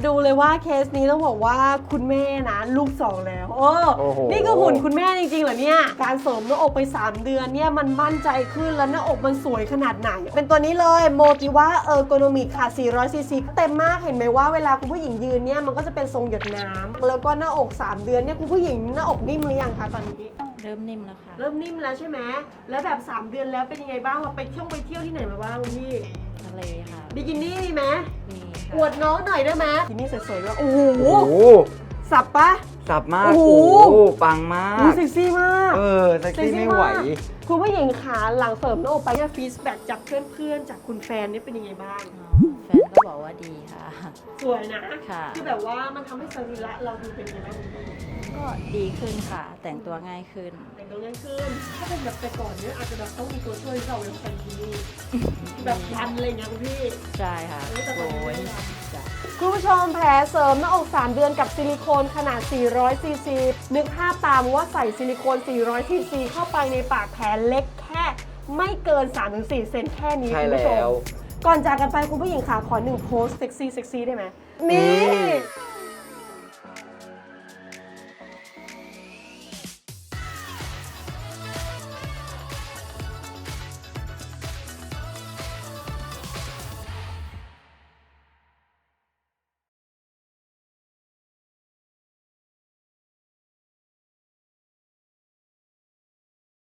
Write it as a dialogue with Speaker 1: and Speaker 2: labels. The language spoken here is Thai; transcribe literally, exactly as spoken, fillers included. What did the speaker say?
Speaker 1: ดูเลยว่าเคสนี้ต้องบอกว่าคุณแม่นะลูกสองแล้วโอ้นี่ก็หุ่นคุณแม่จริงๆเหรอเนี่ยการเสริมหน้าอกไปสามเดือนเนี่ยมันมั่นใจขึ้นแล้วหน้าอกมันสวยขนาดไหนเป็นตัวนี้เลยโมติว่าเออร์โกนอมิกค่ะสี่ร้อยซีซีเต็มมากเห็นไหมว่าเวลาคุณผู้หญิงยืนเนี่ยมันก็จะเป็นทรงหยดน้ำแล้วก็หน้าอกสามเดือนเนี่ยคุณผู้หญิงหน้าอกนิ่มหรือยังคะตอนนี้
Speaker 2: เริ่มนิ่มแล้วค่ะ
Speaker 1: เริ่มนิ่มแล้วใช่ไหมแล้วแบบสามเดือนแล้วเป็นยังไงบ้างเราไปเที่ยวไปเที่ยวที่ไหนมาบ้างพี่
Speaker 2: ทะเลค่ะ
Speaker 1: บิกินี่มีไหม
Speaker 2: มี
Speaker 1: อวดน้องหน่อยได้ไหมบิกินี่สวยๆด้วยโอ้โหสับปะ
Speaker 3: สับมาก
Speaker 1: โอ้โห
Speaker 3: ปังมาก
Speaker 1: เซ็กซี่มาก
Speaker 3: เออเซ็กซี่ไม่ไหว
Speaker 1: คุณผู้หญิงขาหลังเสริมหน้าอกไปเนี่ยฟีดแบ็กจากเพื่อนๆจากคุณแฟนนี่เป็นยังไงบ้าง
Speaker 2: แฟนก็บอกว่าดีค่ะ
Speaker 1: สวยนะ
Speaker 2: ค่ะ
Speaker 1: คือแบบว่ามันทำให้สรีระเราดูเป็นยังไงบ้าง
Speaker 2: ก็ดีขึ้นค่ะแต่งตัวง่ายขึ้น
Speaker 1: แต่งตัวง่ายขึ้นถ้าเป็นแบบแต่ก่อนเนี่ยอาจจะแบบต้องมีตัวช่วยที่เราเป็นคนที่นี่แบบยันอะไรเงี้ยคุณพี่
Speaker 2: ใช่ค่ะโอ้ย
Speaker 1: คุณผู้ชมแผลเสริมหน้าอกสามเดือนกับซิลิโคนขนาดสี่ร้อยซีซีนึกภาพตามว่าใส่ซิลิโคนสี่ร้อยซีซีเข้าไปในปากแผลเล็กแค่ไม่เกิน สามถึงสี่ เซนแค่นี้คุณผู้ชมก่อนจากกันไปคุณผู้หญิงขาขอหนึ่งโพสเซ็กซี่เซ็กซี่ได้ไหมนี่